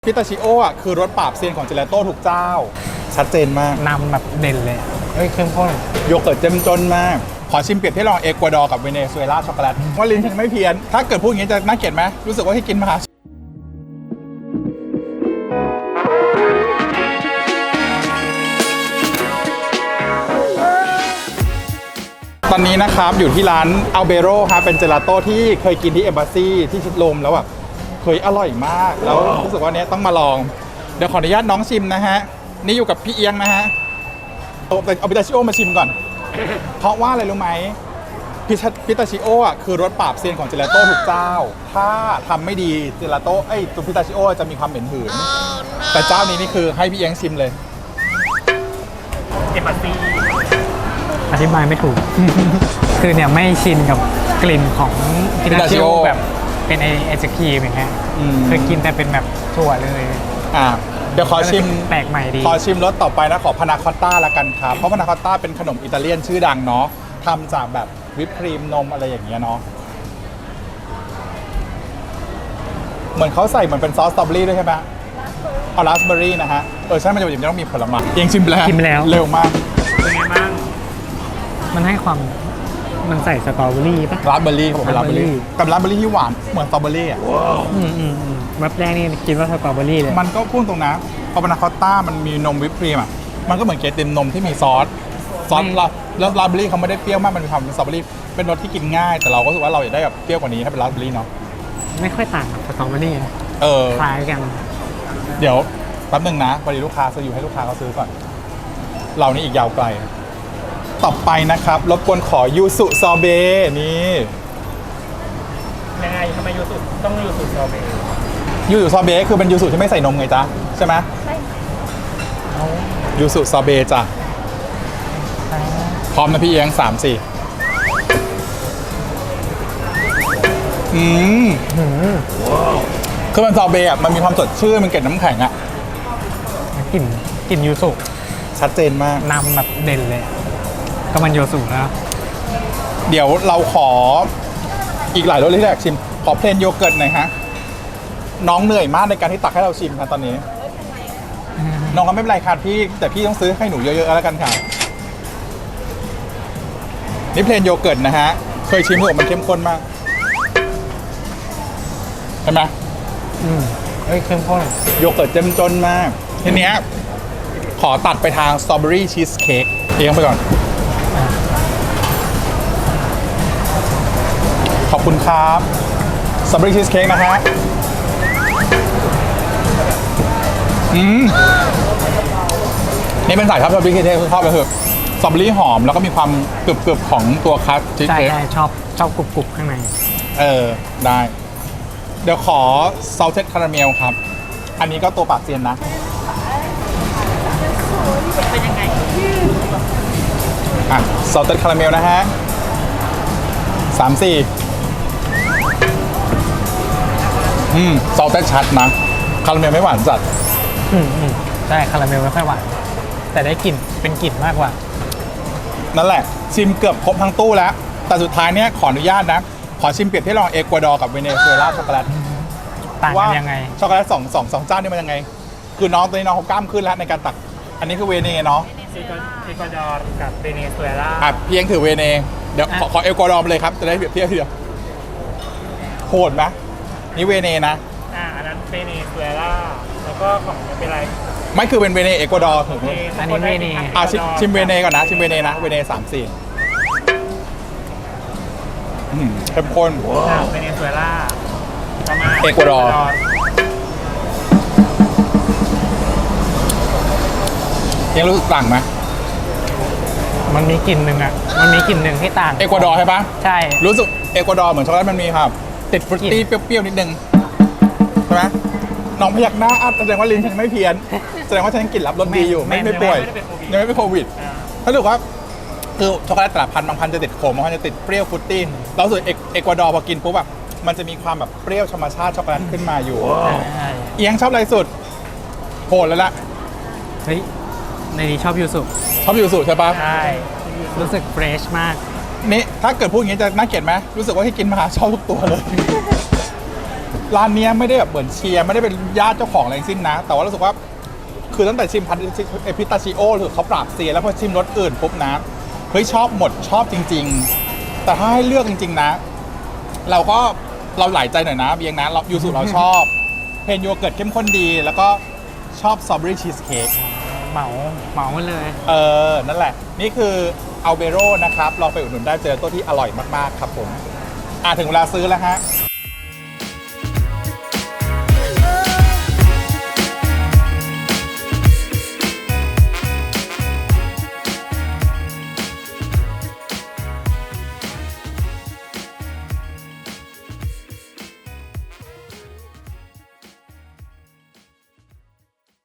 พิตาชิโออ่ะคือรสปราบเซียนของเจลาโต้ทุกเจ้าชัดเจนมากนำแบบเด่นเลยเข้มข้นโยเกิร์ตเจ้มจนมากขอชิมเปรียบเทียบระหว่างเอกวาดอร์กับเวเนซุเอลาช็อกโกแลตว่าลิ้นฉันไม่เพี้ยนถ้าเกิดพูดอย่างนี้จะน่าเกลียดไหมรู้สึกว่าที่กินมาตอนนี้นะครับอยู่ที่ร้านอัลเบโร่ครับเป็นเจลาโต้ที่เคยกินที่เอมบาซีที่ชิดลมแล้วแบบเคยอร่อยมากแล้วรู้สึกว่าเนี้ยต้องมาลองเดี๋ยวขออนุญาตน้องชิมนะฮะนี่อยู่กับพี่เอียงนะฮะเอาพิตาชิโอมาชิมก่อนเพราะว่าอะไรรู้ไหมพิตาชิโออ่ะคือรสปราบเซียนของเจลาโต้ทุกเจ้าถ้าทำไม่ดีเจลาโต้ตัวพิตาชิโอจะมีความเหม็นหืนแต่เจ้านี้นี่คือให้พี่เอียงชิมเลยเอมบาซีอธิบายไม่ถูก คือเนี่ยไม่ชินกับกลิ่นของพิตาชิโอแบบเป็นไอศครีมอย่างเงี้ยเคยกินแต่เป็นแบบถั่วเลยเดี๋ยวขอชิมแปลกใหม่ดีขอชิมรสต่อไปนะขอพานาคอตต้าละกันครับเพราะพานาคอตต้าเป็นขนมอิตาเลียนชื่อดังเนาะทำจากแบบวิปครีมนมอะไรอย่างเงี้ยเนาะเหมือนเขาใส่เหมือนเป็นซอสสตรอเบอรี่ด้วยใช่ไหมเอาราสเบอรี่นะฮะใช่มันจะต้องมีผลไม้ยังชิมแล้วเร็วมากเป็นไงบ้างมันให้ความมันใส่สตรอเบอรี่ป่ะราสเบอรี่ผมเป็นราสเบอรี่กับราสเบอรี่ที่หวานเหมือนสตรอเบอรี่อ่ะแบบแรกนี่คิดว่าสตรอเบอรี่เลยมันก็พูดตรงนะพอพานาคอตต้ามันมีนมวิปครีมอ่ะมันก็เหมือนเกติมนมที่มีซอสแล้วราสเบอรี่เขาไม่ได้เปรี้ยวมากมันมีความเป็นสตรอเบอรี่เป็นรสที่กินง่ายแต่เราก็รู้สึกว่าเราอยากได้แบบเปรี้ยวกว่านี้ถ้าเป็นราสเบอรี่เนาะไม่ค่อยต่างกับสตรอเบอรี่คล้ายกันเดี๋ยวแป๊บนึงนะพอดีลูกค้าซื้ออยู่ให้ลูกค้าเขาซื้อก่อนเรานี่อีกยาวไกลต่อไปนะครับรบกวนขอยูสุซอเบนี่ยังไงทำไมยูสุต้องยูสุซอเบยูสุซอเบคือเป็นยูสุที่ไม่ใส่นมไงจ๊ะใช่ไหมใช่ยูสุซอเบจ้ะพร้อมนะพี่เอียง3-4คือมันซอเบอ่ะมันมีความสดชื่นมันเกล็ดน้ำแข็งอ่ะกลิ่นยูสุชัดเจนมากนำแบบเด่นเลยก็มันยูสุแล้วเดี๋ยวเราขออีกหลายรสที่อยากชิมขอเพลนโยเกิร์ตหน่อยฮะน้องเหนื่อยมากในการที่ตักให้เราชิมครับตอนนี้น้องก็ไม่เป็นไรค่ะพี่แต่พี่ต้องซื้อให้หนูเยอะๆแล้วกันค่ะนี่เพลนโยเกิร์ตนะฮะเคยชิมหรือมันเข้มข้นมากใช่ไหมเข้มข้นโยเกิร์ตเจ้มจนมากทีเนี้ยขอตัดไปทางสตรอเบอรี่ชีสเค้กเอียงไปก่อนขอบคุณครับสตรอเบอรี่ชีสเค้กนะฮะนี่เป็นสายชอบสตรอเบอรี่ชีสเค้กชอบเลยคือสตรอเบอรี่หอมแล้วก็มีความกรึบๆของตัวคัสชีสเค้กใช่ชอบกรุบๆข้างในได้เดี๋ยวขอซอสเท็ดคาราเมลครับอันนี้ก็ตัวปากเซียนนะเป็นยังไงซอสเท็ดคาราเมลนะฮะ3-4ซอสเท็ดชัดนะคาราเมลไม่หวานจัดใช่คาราเมลไม่ค่อยหวานแต่ได้กลิ่นเป็นกลิ่นมากกว่านั่นแหละชิมเกือบครบทั้งตู้แล้วแต่สุดท้ายเนี้ยขออนุญาตนะขอชิมเปรียบเทียบระหว่างเอกวาดอร์กับเวเนซุเอลาช็อกโกแลตต่างกันยังไงช็อกโกแลตสองเจ้านี่มันยังไงคือน้องตัวนี้น้องเขากล้ามขึ้นแล้วในการตักอันนี้คือเวเนเนาะเอกวาดอร์กับเวเนซุเอลาเพียงถือเวเนเดี๋ยวขอเอกวาดอร์ไปเลยครับจะได้เปรียบเทียบทีเดียวโหดไหมนี่เวเนนะอันนั้นเวเนซุเอลาแล้วก็ของเป็นอะไรไม่คือเป็นเวเนเอกวาดอร์ถูกไหมอันนี้เวเนชิมเวเนก่อนนะชิมเวเนนะเวเน3-4เข้มข้นเวเนซุเอลาประมาณเอกวาดอร์ยังรู้สึกต่างไหมมันมีกลิ่นหนึ่งที่ต่างเอกวาดอร์ใช่ปะใช่รู้สึกเอกวาดอร์เหมือนช็อกโกแลตมันมีครับติดฟรุตตี้เปรี้ยวๆนิดนึงใช่ไหมน้องพยักหน้าแสดงว่าลิ้นฉันไม่เพี้ยนแสดงว่าฉันกลิ่นรับรสดีอยู่ไม่ป่วยยังไม่เป็นโควิดถ้าถือว่าคือช็อกโกแลตแต่ละพันบางพันจะติดขมบางพันจะติดเปรี้ยวฟรุตตี้แล้วส่วนเอกวาดอร์พอกินปุ๊บแบบมันจะมีความแบบเปรี้ยวธรรมชาติช็อกโกแลตขึ้นมาอยู่เอียงชอบอะไรสุดโหดแล้วล่ะเฮ้ยในนี้ชอบยูสุใช่ปะใช่รู้สึกเฟรชมากนี่ถ้าเกิดพูดอย่างนี้จะน่าเกลียดไหมรู้สึกว่าที่กินมาชอบทุกตัวเลยร้านเนี้ยไม่ได้แบบเหมือนเชียร์ไม่ได้เป็นญาติเจ้าของอะไรทั้งสิ้นนะ แต่ว่ารู้สึกว่าคือตั้งแต่ชิมพิตาชิโอหรือเขาปราบเซียนแล้วพอชิมรสอื่นปุ๊บนะเฮ้ยชอบหมดชอบจริง ๆ แต่ถ้าให้เลือกจริง ๆ นะ เราหลายใจหน่อยนะเบียงนะเรายูสุเราชอบเพนโยเกิร์ตเข้มข้นดี แล้วก็ชอบสตรอเบอรี่ชีสเค้กเหมาเลยนั่นแหละ นี่คืออัลเบโรนะครับลองไปอุดหนุนได้เจอตัวที่อร่อยมากๆครับผมถึงเวลาซื้อแล้วฮะ